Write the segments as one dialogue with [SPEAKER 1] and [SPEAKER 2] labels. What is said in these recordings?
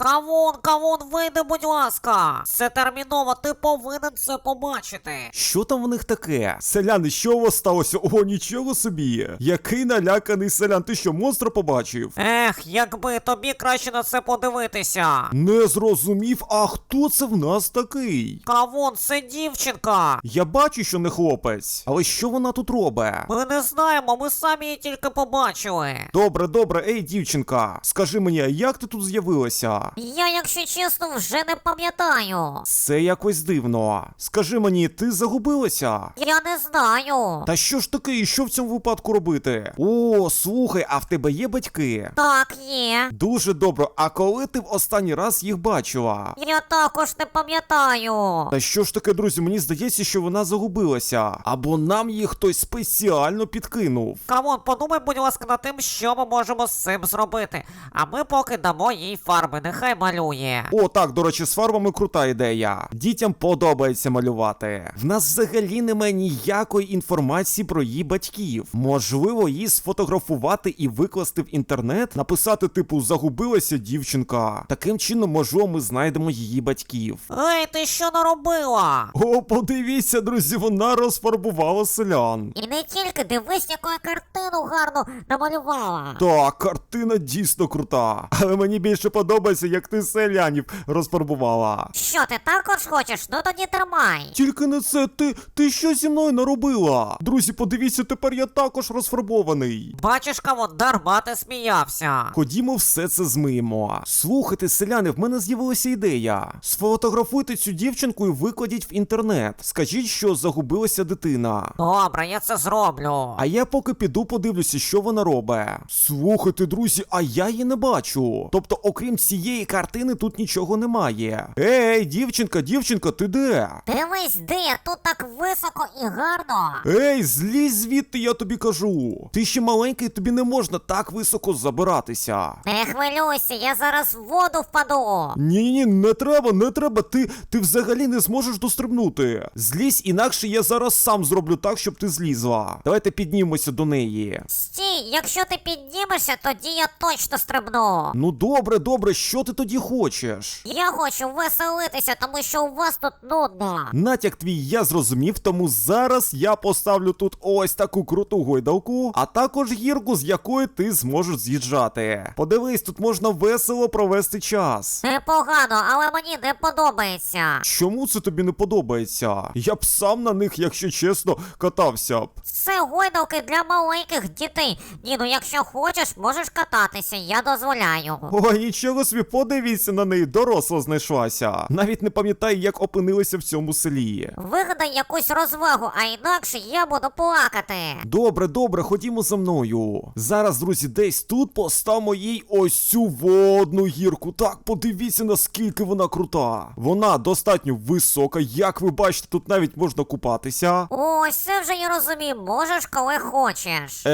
[SPEAKER 1] Кавун, вийди, будь ласка. Це терміново, ти повинен це побачити.
[SPEAKER 2] Що там в них таке? Селяни, що у вас сталося? О, нічого собі. Який наляканий селян, ти що, монстра побачив?
[SPEAKER 1] Якби тобі краще на це подивитися.
[SPEAKER 2] Не зрозумів, а хто це в нас такий?
[SPEAKER 1] Кавун, це дівчинка.
[SPEAKER 2] Я бачу, що не хлопець, але що вона тут робить?
[SPEAKER 1] Ми не знаємо, ми самі її тільки побачили.
[SPEAKER 2] Добре, ей, дівчинка, скажи мені, а як ти тут з'явилася?
[SPEAKER 1] Я, якщо чесно, вже не пам'ятаю.
[SPEAKER 2] Це якось дивно. Скажи мені, ти загубилася?
[SPEAKER 1] Я не знаю.
[SPEAKER 2] Та що ж таке, і що в цьому випадку робити? О, слухай, а в тебе є батьки?
[SPEAKER 1] Так, є.
[SPEAKER 2] Дуже добре, а коли ти в останній раз їх бачила?
[SPEAKER 1] Я також не пам'ятаю.
[SPEAKER 2] Та що ж таке, друзі, мені здається, що вона загубилася. Або нам її хтось спеціально підкинув.
[SPEAKER 1] Кавун, подумай, будь ласка, над тим, що ми можемо з цим зробити. А ми поки дамо їй фарби, нехай малює.
[SPEAKER 2] О, так, до речі, з фарбами крута ідея. Дітям подобається малювати. В нас взагалі немає ніякої інформації про її батьків. Можливо, її сфотографувати і викласти в інтернет, написати типу «загубилася дівчинка». Таким чином, можливо, ми знайдемо її батьків.
[SPEAKER 1] Ей, ти що наробила?
[SPEAKER 2] О, подивіться, друзі, вона розфарбувала селян.
[SPEAKER 1] І не тільки, дивись, яку я картину гарну намалювала.
[SPEAKER 2] Так, картина дійсно крута. Але мені більше подобається, як ти селянів розфарбувала.
[SPEAKER 1] Що, ти також хочеш? Ну тоді тримай.
[SPEAKER 2] Тільки не це, ти що зі мною наробила? Друзі, подивіться, тепер я також розфарбований.
[SPEAKER 1] Бачиш, Кавун, дарма ти сміявся.
[SPEAKER 2] Ходімо, все це змиємо. Слухайте, селяни, в мене з'явилася ідея. Сфотографуйте цю дівчинку і викладіть в інтернет. Скажіть, що загубилася дитина.
[SPEAKER 1] Добре, я це зроблю.
[SPEAKER 2] А я поки піду подивлюся, що вона робить. Слухайте, друзі, а я її не бачу. Тобто, окрім цієї картини, тут нічого немає. Ей, дівчинка, ти де?
[SPEAKER 1] Дивись, де я тут так високо і гарно.
[SPEAKER 2] Ей, злізь звідти, я тобі кажу. Ти ще маленький, тобі не можна так високо забиратися.
[SPEAKER 1] Не хвилюйся, я зараз в воду впаду.
[SPEAKER 2] Ні, не треба, ти взагалі не зможеш дострибнути. Злізь, інакше я зараз сам зроблю так, щоб ти злізла. Давайте піднімемося до неї.
[SPEAKER 1] Стій, якщо ти піднімешся, тоді я точно стрибну.
[SPEAKER 2] Ну добре, що ти тоді хочеш?
[SPEAKER 1] Я хочу веселитися, тому що у вас тут нудно.
[SPEAKER 2] Натяк твій я зрозумів, тому зараз я поставлю тут ось таку круту гойдалку, а також гірку, з якої ти зможеш з'їжджати. Подивись, тут можна весело провести час.
[SPEAKER 1] Непогано, але мені не подобається.
[SPEAKER 2] Чому це тобі не подобається? Я б сам на них, якщо чесно, катався б.
[SPEAKER 1] Це гойдалки для маленьких дітей. Ні, ну якщо хочеш, можеш кататися, я дозволяю.
[SPEAKER 2] Ой, нічого собі, подивіться на неї, доросла знайшлася. Навіть не пам'ятаю, як опинилися в цьому селі.
[SPEAKER 1] Вигадай якусь розвагу, а інакше я буду плакати.
[SPEAKER 2] Добре, ходімо за мною. Зараз, друзі, десь тут поставимо їй ось цю водну гірку. Так, подивіться, наскільки вона крута. Вона достатньо висока, як ви бачите, тут навіть можна купатися.
[SPEAKER 1] Ось це вже я розумію, можеш коли хочеш.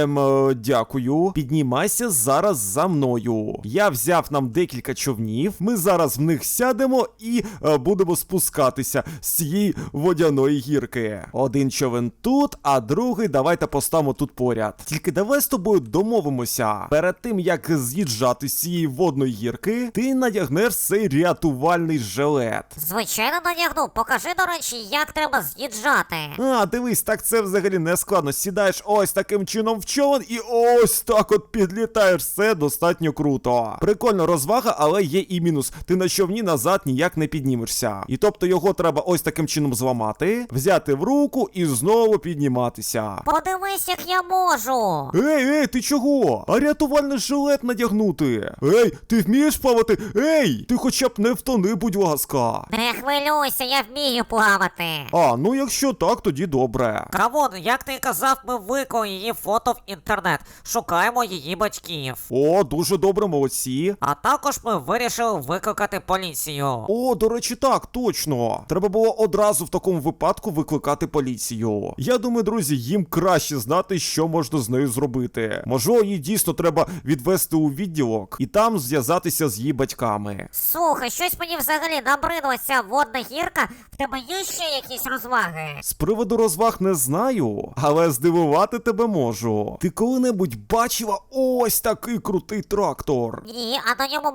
[SPEAKER 2] Дякую. Піднімайся зараз за мною. Я взяв нам декілька човнів. Ми зараз в них сядемо і будемо спускатися з цієї водяної гірки. Один човен тут, а другий давайте поставимо тут поряд. Тільки давай з тобою домовимося. Перед тим, як з'їжджати з цієї водної гірки, ти надягнеш цей рятувальний жилет.
[SPEAKER 1] Звичайно надягну. Покажи, до речі, як треба з'їжджати.
[SPEAKER 2] А, дивись, так це взагалі не складно. Сідаєш ось таким чином в човен і ось так от підлітаєш. Це достатньо круто. Прикольно, розвага, але є і мінус. Ти на човні назад ніяк не піднімешся. І тобто його треба ось таким чином зламати, взяти в руку і знову підніматися.
[SPEAKER 1] Подивись, як я можу.
[SPEAKER 2] Ей, ти чого? А рятувальний жилет надягнути? Ей, ти вмієш плавати? Ей, ти хоча б не втони, будь ласка.
[SPEAKER 1] Не хвилюйся, я вмію плавати.
[SPEAKER 2] А, ну якщо так, тоді добре.
[SPEAKER 1] Кавун, як ти казав, ми виклали її фото в інтернет. Шукаємо її батьків.
[SPEAKER 2] О, дуже добре, молодці.
[SPEAKER 1] А також ми вирішили викликати поліцію.
[SPEAKER 2] О, до речі, так, точно. Треба було одразу в такому випадку викликати поліцію. Я думаю, друзі, їм краще знати, що можна з нею зробити. Можливо, її дійсно треба відвести у відділок і там зв'язатися з її батьками.
[SPEAKER 1] Слухай, щось мені взагалі набридла ця водна гірка. В тебе є ще якісь розваги?
[SPEAKER 2] З приводу розваг не знаю, але здивувати тебе можу. Ти коли-небудь бачила ось такий крутий трактор?
[SPEAKER 1] Ні, а на ньому можна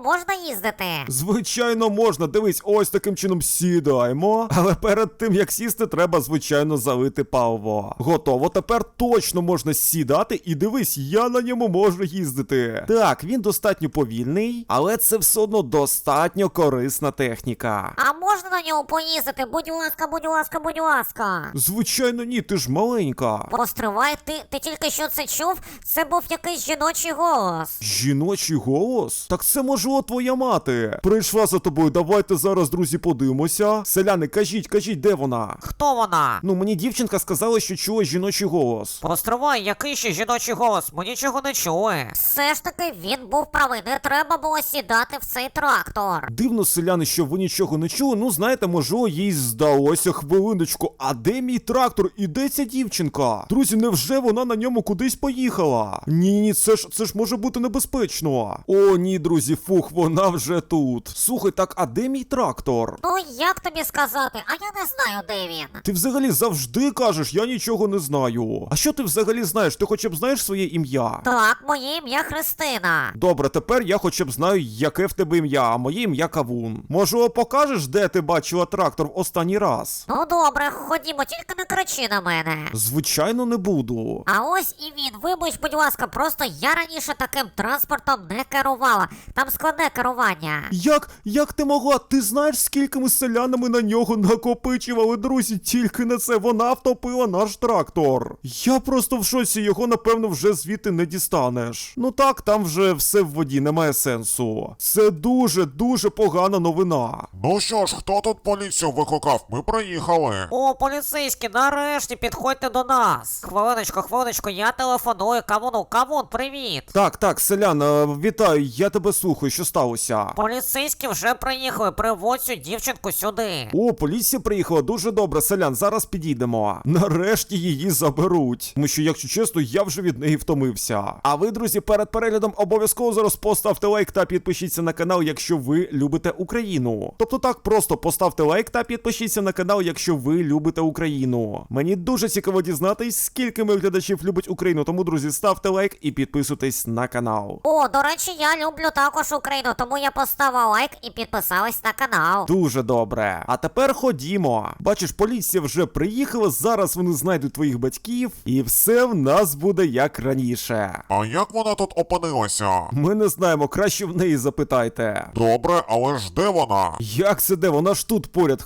[SPEAKER 1] поїздити?
[SPEAKER 2] Звичайно, можна. Дивись, ось таким чином сідаємо. Але перед тим, як сісти, треба, звичайно, залити паливо. Готово. Тепер точно можна сідати. І дивись, я на ньому можу їздити. Так, він достатньо повільний, але це все одно достатньо корисна техніка.
[SPEAKER 1] А можна на ньому поїздити? Будь ласка, будь ласка, будь ласка.
[SPEAKER 2] Звичайно, ні, ти ж маленька.
[SPEAKER 1] Постривай, ти тільки що це чув? Це був якийсь жіночий голос.
[SPEAKER 2] Жіночий голос? Так це, можливо, твоя мати. Прийшла за тобою, давайте зараз, друзі, подивимося. Селяни, кажіть, де вона?
[SPEAKER 1] Хто вона?
[SPEAKER 2] Ну, мені дівчинка сказала, що чула жіночий голос.
[SPEAKER 1] Постривай, який ще жіночий голос? Ми нічого не чули. Все ж таки він був правий, не треба було сідати в цей трактор.
[SPEAKER 2] Дивно, селяни, що ви нічого не чули. Ну, знаєте, можливо, їй здалося. Хвилиночку. А де мій трактор? І де ця дівчинка? Друзі, невже вона на ньому кудись поїхала? Ні, це ж може бути небезпечно. О, ні, друзі, фух, вона вже тут. Слухай, так, а де мій трактор?
[SPEAKER 1] Ну, як тобі сказати? А я не знаю, де він.
[SPEAKER 2] Ти взагалі завжди кажеш, я нічого не знаю. А що ти взагалі знаєш? Ти хоча б знаєш своє ім'я?
[SPEAKER 1] Так, моє ім'я Христина.
[SPEAKER 2] Добре, тепер я хоча б знаю, яке в тебе ім'я, а моє ім'я Кавун. Може, покажеш, де ти бачила трактор в останній раз?
[SPEAKER 1] Ну добре, ходімо, тільки не кричи на мене.
[SPEAKER 2] Звичайно, не буду.
[SPEAKER 1] А ось і він. Вибач, будь ласка, просто я раніше таким транспортом не керувала. Там складне керування.
[SPEAKER 2] Як ти могла? Ти знаєш, скільки ми з селянами на нього накопичували, друзі, тільки на це. Вона втопила наш трактор. Я просто в шоці, його, напевно, вже звідти не дістанеш. Ну так, там вже все в воді, немає сенсу. Це дуже погана новина.
[SPEAKER 3] Ну що ж, хто тут поліцію викликав? Ми приїхали.
[SPEAKER 1] О, поліцейські, нарешті підходьте до нас. Хвилиночку, я телефоную Кавуну. Кавун, привіт.
[SPEAKER 2] Так, селян, вітаю, я тебе слухаю, що сталося?
[SPEAKER 1] Поліцейські вже приїхали, приводь цю дівчинку сюди.
[SPEAKER 2] О, поліція приїхала, дуже добре, селян, зараз підійдемо. Нарешті її заберуть. Тому що, якщо чесно, я вже від неї втомився. А ви, друзі, перед переглядом обов'язково зараз поставте лайк та підпишіться на канал, якщо ви любите Україну. Тобто так, просто поставте лайк та підпишіться на канал, якщо ви любите Україну. Мені дуже цікаво дізнатись, скільки моїх глядачів любить Україну, тому, друзі, ставте лайк і підписуйтесь на канал.
[SPEAKER 1] О, до речі, я люблю також Україну, тому я поставила лайк і підписалась на канал.
[SPEAKER 2] Дуже добре. А тепер ходімо. Бачиш, поліція вже приїхала, зараз вони знайдуть твоїх батьків, і все в нас буде як раніше.
[SPEAKER 3] А як вона тут опинилася?
[SPEAKER 2] Ми не знаємо, краще в неї запитайте.
[SPEAKER 3] Добре, але ж де вона?
[SPEAKER 2] Як це де? Вона ж тут поряд.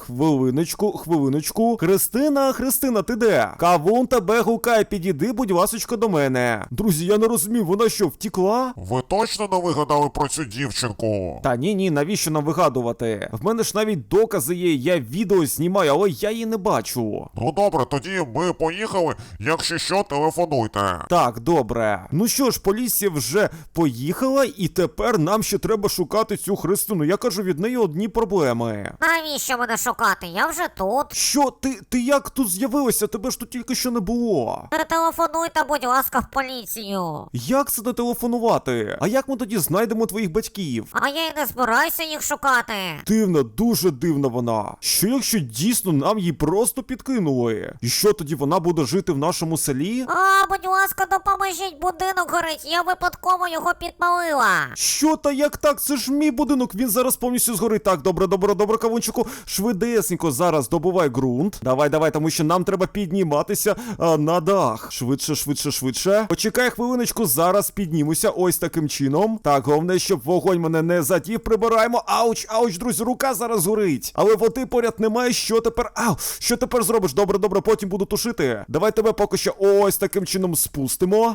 [SPEAKER 2] Хвилиночку. Христина, ти де? Кавун тебе гукає, підійди, будь ласочка, до мене. Друзі, я не розумію, вона що, втікла?
[SPEAKER 3] Ви точно не вигадали про цю дівчинку?
[SPEAKER 2] Та ні, навіщо нам вигадувати? В мене ж навіть докази є, я відео знімаю, але я її не бачу.
[SPEAKER 3] Ну добре, тоді ми поїхали, якщо що, телефонуйте.
[SPEAKER 2] Так, добре. Ну що ж, поліція вже поїхала, і тепер нам ще треба шукати цю Христину. Я кажу, від неї одні проблеми.
[SPEAKER 1] Навіщо мене шукати? Я вже тут.
[SPEAKER 2] Що? Ти як тут з'явилася? Тебе ж тут тільки що не було.
[SPEAKER 1] Не телефонуйте, будь ласка, в поліцію.
[SPEAKER 2] Як це не телефонувати? А як ми тоді знайдемо твоїх батьків?
[SPEAKER 1] А я й не збираюся їх шукати.
[SPEAKER 2] Дивна, дуже дивна вона. Що якщо дійсно нам її просто підкинули? І що тоді вона буде жити в нашому селі?
[SPEAKER 1] А, будь ласка, допоможіть, будинок горить, я випадково його підпалила.
[SPEAKER 2] Що та як так? Це ж мій будинок, він зараз повністю згорить. Так, добре, Кавунчику, швидесенько зараз добувай ґрунт. Давай, тому що нам треба підніматися на дах. Швидше. Почекай хвилиночку, зараз піднімуся ось таким чином. Так, головне, щоб вогонь мене не задів. Прибираємо. Ауч, друзі, рука зараз горить. Але води поряд немає, що тепер? Що тепер зробиш? Добре, потім буду тушити. Давай тебе поки що ось таким чином спустимо.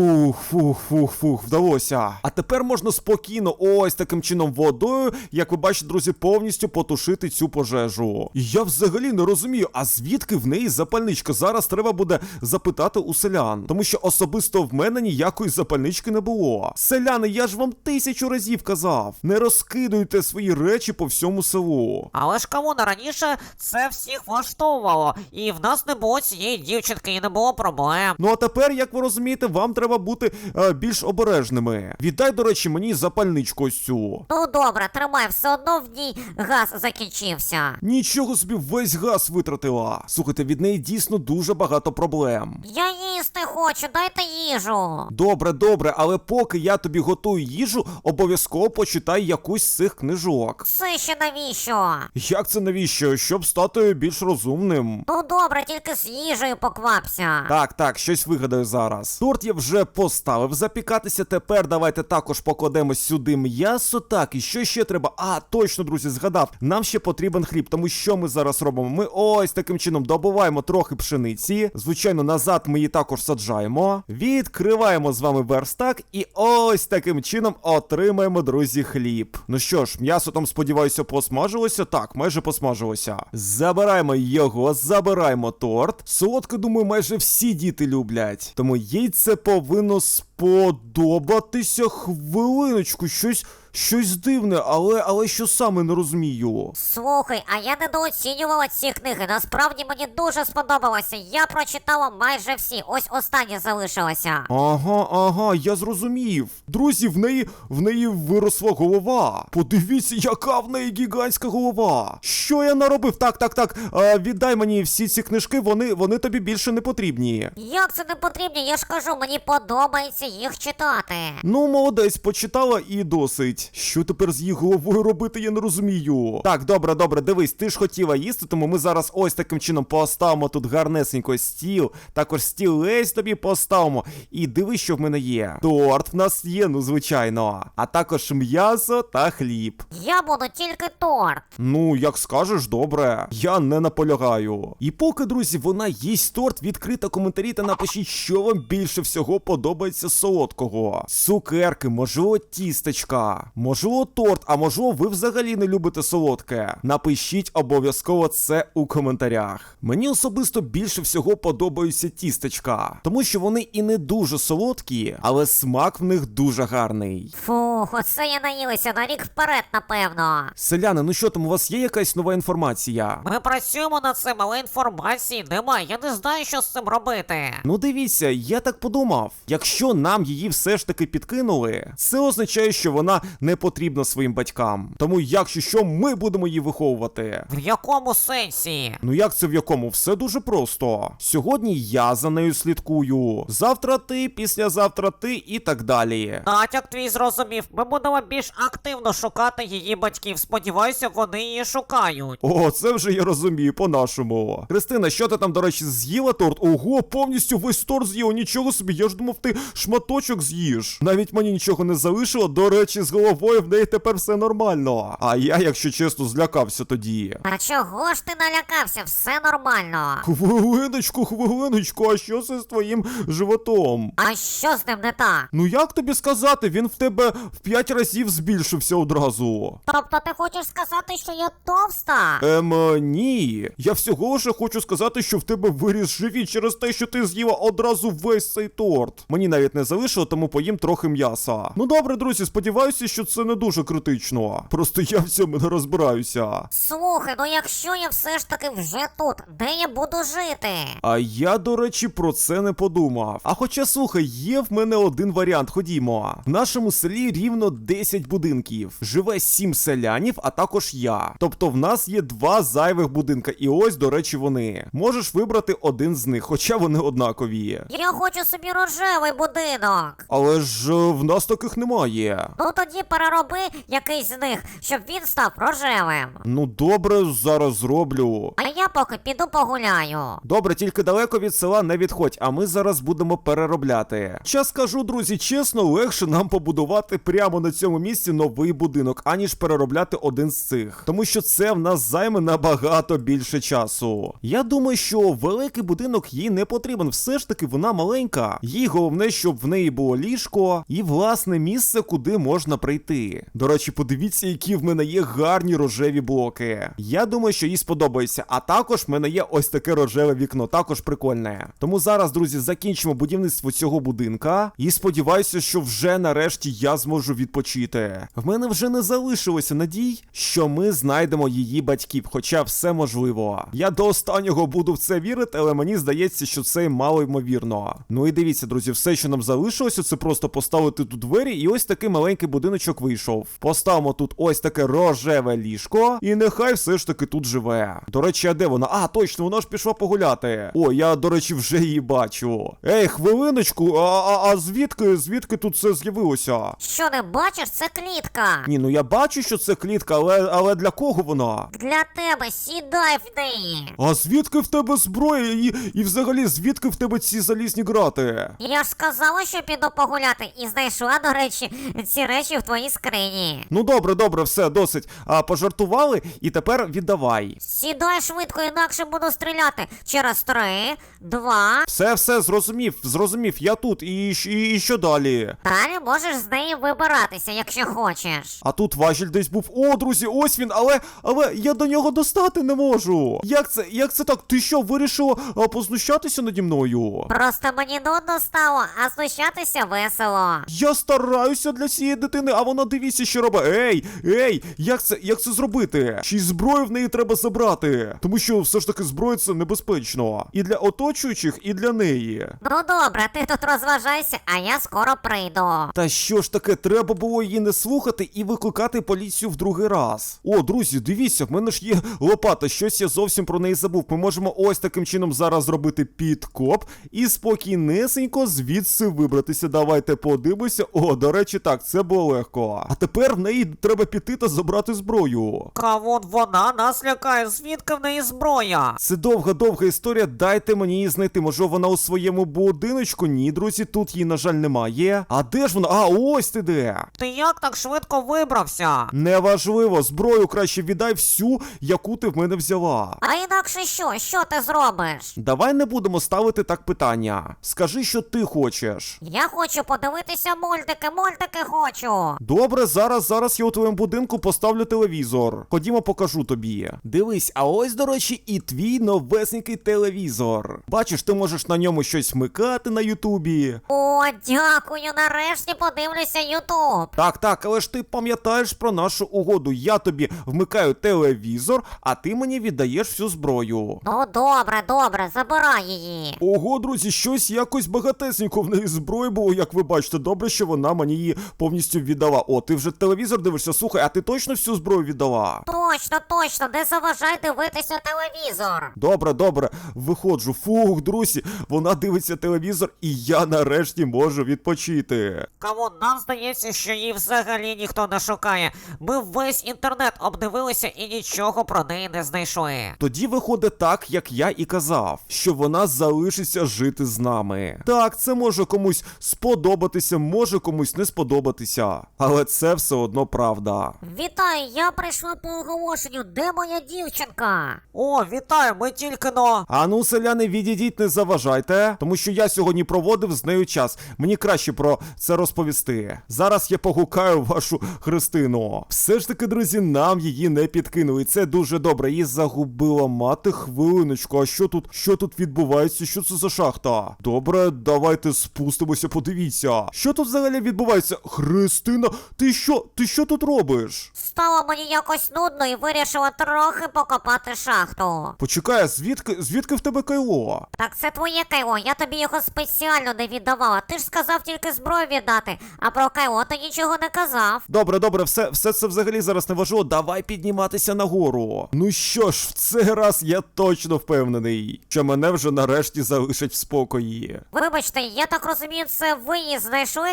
[SPEAKER 2] Фух, вдалося. А тепер можна спокійно ось таким чином водою, як ви бачите, друзі, повністю потушити цю пожежу. І я взагалі не розумію, а звідки в неї запальничка? Зараз треба буде запитати у селян. Тому що особисто в мене ніякої запальнички не було. Селяни, я ж вам 1000 разів казав. Не розкидуйте свої речі по всьому селу.
[SPEAKER 1] Але ж Кавуна, раніше це всіх влаштовувало. І в нас не було цієї дівчинки, і не було проблем.
[SPEAKER 2] Ну а тепер, як ви розумієте, вам треба бути більш обережними. Віддай, до речі, мені запальничку ось цю.
[SPEAKER 1] Ну добре, тримай, все одно в ній газ закінчився.
[SPEAKER 2] Нічого собі, весь газ витратила. Слухайте, від неї дійсно дуже багато проблем.
[SPEAKER 1] Я їсти хочу, дайте їжу.
[SPEAKER 2] Добре, добре, але поки я тобі готую їжу, обов'язково почитай якусь з цих книжок.
[SPEAKER 1] Це ще навіщо?
[SPEAKER 2] Як це навіщо? Щоб стати більш розумним.
[SPEAKER 1] Ну добре, тільки з їжею поквапся.
[SPEAKER 2] Так, щось вигадаю зараз. Торт я вже поставив запікатися, тепер давайте також покладемо сюди м'ясо. Так, і що ще треба? А, точно, друзі, згадав. Нам ще потрібен хліб, тому що ми зараз робимо? Ми ось таким чином добуваємо трохи пшениці. Звичайно, назад ми її також саджаємо. Відкриваємо з вами верстак і ось таким чином отримаємо, друзі, хліб. Ну що ж, м'ясо там, сподіваюся, посмажилося? Так, майже посмажилося. Забираємо його, забираємо торт. Солодке, думаю, майже всі діти люблять. Тому їй це повинно сподобатися. Хвилиночку, щось дивне, але що саме, не розумію.
[SPEAKER 1] Слухай, а я недооцінювала ці книги. Насправді мені дуже сподобалося. Я прочитала майже всі. Ось остання залишилася.
[SPEAKER 2] Ага, я зрозумів. Друзі, в неї виросла голова. Подивіться, яка в неї гігантська голова. Що я наробив? Так. Віддай мені всі ці книжки, вони тобі більше не потрібні.
[SPEAKER 1] Як це не потрібно? Я ж кажу, мені подобається їх читати.
[SPEAKER 2] Ну, молодець, почитала і досить. Що тепер з її головою робити, я не розумію. Так, добре, дивись, ти ж хотіла їсти, тому ми зараз ось таким чином поставимо тут гарнесенько стіл. Також стілець тобі поставимо. І дивись, що в мене є. Торт в нас є, ну звичайно. А також м'ясо та хліб.
[SPEAKER 1] Я буду тільки торт.
[SPEAKER 2] Ну, як скажеш, добре. Я не наполягаю. І поки, друзі, вона їсть торт, відкрийте коментарі та напишіть, що вам більше всього подобається з солодкого. Цукерки, можливо, тістечка, можливо, торт, а можливо, ви взагалі не любите солодке. Напишіть обов'язково це у коментарях. Мені особисто більше всього подобаються тістечка, тому що вони і не дуже солодкі, але смак в них дуже гарний.
[SPEAKER 1] Фух, оце я наїлася на рік вперед, напевно.
[SPEAKER 2] Селяни, ну що там, у вас є якась нова інформація?
[SPEAKER 1] Ми працюємо над цим, але інформації немає. Я не знаю, що з цим робити.
[SPEAKER 2] Ну дивіться, я так подумав. Якщо нам її все ж таки підкинули, це означає, що вона не потрібна своїм батькам. Тому, якщо що, ми будемо її виховувати.
[SPEAKER 1] В якому сенсі?
[SPEAKER 2] Ну як це в якому? Все дуже просто. Сьогодні я за нею слідкую. Завтра ти, післязавтра ти і так далі.
[SPEAKER 1] Натяк твій зрозумів. Ми будемо більш активно шукати її батьків. Сподіваюся, вони її шукають.
[SPEAKER 2] О, це вже я розумію, по-нашому. Христина, що ти там, до речі, з'їла торт? Ого, повністю весь торт з'їла, нічого собі, я ж думав, ти шматочок з'їш. Навіть мені нічого не залишило, до речі, з головою в неї тепер все нормально. А я, якщо чесно, злякався тоді.
[SPEAKER 1] А чого ж ти налякався? Все нормально.
[SPEAKER 2] Хвилиночку, а що це з твоїм животом?
[SPEAKER 1] А що з ним не так?
[SPEAKER 2] Ну як тобі сказати, він в тебе в 5 разів збільшився одразу.
[SPEAKER 1] Тобто ти хочеш сказати, що я товста?
[SPEAKER 2] Ні. Я всього лише хочу сказати, що в тебе виріс живіт через те, що ти з'їла одразу весь цей торт. Мені навіть не залишило, тому поїм трохи м'яса. Ну добре, друзі, сподіваюся, що це не дуже критично. Просто я в цьому не розбираюся.
[SPEAKER 1] Слухай, ну якщо я все ж таки вже тут, де я буду жити?
[SPEAKER 2] А я, до речі, про це не подумав. А хоча, слухай, є в мене один варіант, ходімо. В нашому селі рівно 10 будинків. Живе 7 селянів, а також я. Тобто в нас є 2 зайвих будинка, і ось, до речі, вони. Можеш вибрати один з них, хоча вони однакові.
[SPEAKER 1] Я хочу собі рожевий будинок.
[SPEAKER 2] Але ж в нас таких немає.
[SPEAKER 1] Ну тоді перероби якийсь з них, щоб він став рожевим.
[SPEAKER 2] Ну добре, зараз зроблю.
[SPEAKER 1] А я поки піду погуляю.
[SPEAKER 2] Добре, тільки далеко від села не відходь, а ми зараз будемо переробляти. Час скажу, друзі, чесно, легше нам побудувати прямо на цьому місці новий будинок, аніж переробляти один з цих. Тому що це в нас займе набагато більше часу. Я думаю, що великий будинок їй не потрібен, все ж таки вона маленька. Їй головне, щоб в неї було ліжко і власне місце, куди можна прийти. До речі, подивіться, які в мене є гарні рожеві блоки. Я думаю, що їй сподобається. А також в мене є ось таке рожеве вікно, також прикольне. Тому зараз, друзі, закінчимо будівництво цього будинка. І сподіваюся, що вже нарешті я зможу відпочити. В мене вже не залишилося надій, що ми знайдемо її батьків, хоча все можливо. Я до останнього буду в це вірити, але мені здається, що це мало ймовірно. Ну і дивіться, друзі, все, що нам залишилося, це просто поставити тут двері і ось такий маленький будиночок будиночок вийшов. Поставимо тут ось таке рожеве ліжко, і нехай все ж таки тут живе. До речі, а де вона? А, точно, вона ж пішла погуляти. О, я, до речі, вже її бачу. Ей, хвилиночку, а звідки тут це з'явилося?
[SPEAKER 1] Що не бачиш, це клітка.
[SPEAKER 2] Ні, ну я бачу, що це клітка, але для кого вона?
[SPEAKER 1] Для тебе, сідай в неї.
[SPEAKER 2] А звідки в тебе зброя і взагалі звідки в тебе ці залізні грати?
[SPEAKER 1] Я ж сказала, що піду погуляти, і знайшла, до речі, ці речі в твоїй скрині.
[SPEAKER 2] Ну добре, все, досить. Пожартували, і тепер віддавай.
[SPEAKER 1] Сідай швидко, інакше буду стріляти. Через 3, 2.
[SPEAKER 2] Все, зрозумів, я тут, і що далі?
[SPEAKER 1] Далі можеш з неї вибиратися, якщо хочеш.
[SPEAKER 2] А тут важіль десь був. О, друзі, ось він, але я до нього достати не можу. Як це так? Ти що, вирішила познущатися наді мною?
[SPEAKER 1] Просто мені нудно стало, а знущатися весело.
[SPEAKER 2] Я стараюся для цієї дитини, а вона дивіться, що робить. Ей, як це зробити? Чи й зброю в неї треба забрати? Тому що все ж таки зброя це небезпечно. І для оточуючих, і для неї.
[SPEAKER 1] Ну добре, ти тут розважайся, а я скоро прийду.
[SPEAKER 2] Та що ж таке, треба було її не слухати і викликати поліцію в другий раз. О, друзі, дивіться, в мене ж є лопата, щось я зовсім про неї забув. Ми можемо ось таким чином зараз зробити підкоп і спокійнесенько звідси вибратися. Давайте подивимося. О, до речі, так, це було легко. А тепер в неї треба піти та забрати зброю.
[SPEAKER 1] Кавун, вона нас лякає, звідки в неї зброя?
[SPEAKER 2] Це довга історія, дайте мені її знайти. Може вона у своєму будиночку? Ні, друзі, тут її, на жаль, немає. А де ж вона? А, ось ти де.
[SPEAKER 1] Ти як так швидко вибрався?
[SPEAKER 2] Неважливо, зброю краще віддай всю, яку ти в мене взяла.
[SPEAKER 1] А інакше що? Що ти зробиш?
[SPEAKER 2] Давай не будемо ставити так питання. Скажи, що ти хочеш.
[SPEAKER 1] Я хочу подивитися мультики хочу.
[SPEAKER 2] Добре, зараз я у твоєму будинку поставлю телевізор. Ходімо, покажу тобі. Дивись, а ось, до речі, і твій новесенький телевізор. Бачиш, ти можеш на ньому щось вмикати на Ютубі.
[SPEAKER 1] О, дякую, нарешті подивлюся Ютуб.
[SPEAKER 2] Так, але ж ти пам'ятаєш про нашу угоду. Я тобі вмикаю телевізор, а ти мені віддаєш всю зброю.
[SPEAKER 1] Ну добре, забирай її.
[SPEAKER 2] Ого, друзі, щось якось багатесенько в неї зброї було, як ви бачите. Добре, що вона мені її повністю віддала. О, ти вже телевізор дивишся? Слухай, а ти точно всю зброю віддала?
[SPEAKER 1] Точно, не заважай дивитися телевізор.
[SPEAKER 2] Добре, виходжу. Фух, друзі, вона дивиться телевізор, і я нарешті можу відпочити.
[SPEAKER 1] Кавун, нам здається, що її взагалі ніхто не шукає. Ми весь інтернет обдивилися і нічого про неї не знайшли.
[SPEAKER 2] Тоді виходить так, як я і казав, що вона залишиться жити з нами. Так, це може комусь сподобатися, може комусь не сподобатися, але це все одно правда.
[SPEAKER 1] Вітаю, я прийшла по оголошенню. Де моя дівчинка? О, вітаю, ми тільки но.
[SPEAKER 2] А ну, селяни, відійдіть, не заважайте, тому що я сьогодні проводив з нею час. Мені краще про це розповісти. Зараз я погукаю вашу Христину. Все ж таки, друзі, нам її не підкинули. І це дуже добре. Її загубила мати. Хвилиночку, а що тут відбувається? Що це за шахта? Добре, давайте спустимося, подивіться. Що тут взагалі відбувається? Христина, ти що тут робиш?
[SPEAKER 1] Стало мені якось нудно і вирішила трохи покопати шахту.
[SPEAKER 2] Почекай, звідки в тебе кайло?
[SPEAKER 1] Так це твоє кайло, я тобі його спеціально не віддавала. Ти ж сказав тільки зброю віддати, а про кайло ти нічого не казав.
[SPEAKER 2] Добре, все це взагалі зараз не важливо. Давай підніматися нагору. Ну що ж, в цей раз я точно впевнений, що мене вже нарешті залишать в спокої.
[SPEAKER 1] Вибачте, я так розумію, це ви її знайшли.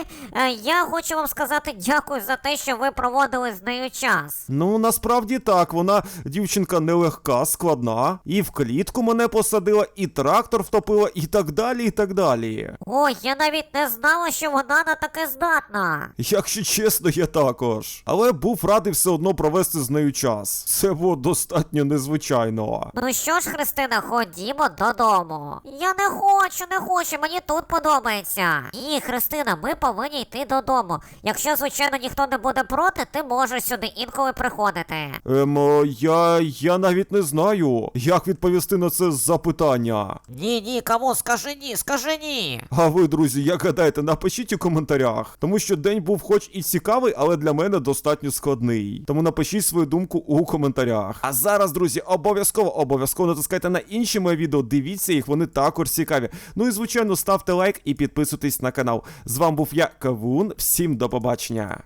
[SPEAKER 1] Я хочу вам сказати дякую за те, що ви проводили з нею час.
[SPEAKER 2] Ну, насправді так, вона дівчинка нелегка, складна, і в клітку мене посадила, і трактор втопила, і так далі.
[SPEAKER 1] Ой, я навіть не знала, що вона на таке здатна.
[SPEAKER 2] Якщо чесно, я також. Але був радий все одно провести з нею час. Це було достатньо незвичайно.
[SPEAKER 1] Ну що ж, Христина, ходімо додому. Я не хочу, мені тут подобається. Ні, Христина, ми повинні йти додому. Якщо, звичайно, ніхто не буде проти, ти можеш сюди інколи приходити.
[SPEAKER 2] Я навіть не знаю, як відповісти на це запитання.
[SPEAKER 1] Ні, кому? Скажи ні.
[SPEAKER 2] А ви, друзі, як гадаєте, напишіть у коментарях. Тому що день був хоч і цікавий, але для мене достатньо складний. Тому напишіть свою думку у коментарях. А зараз, друзі, обов'язково натискайте на інші мої відео, дивіться їх, вони також цікаві. Ну і, звичайно, ставте лайк і підписуйтесь на канал. З вами був я, Кавун, всім до побачення.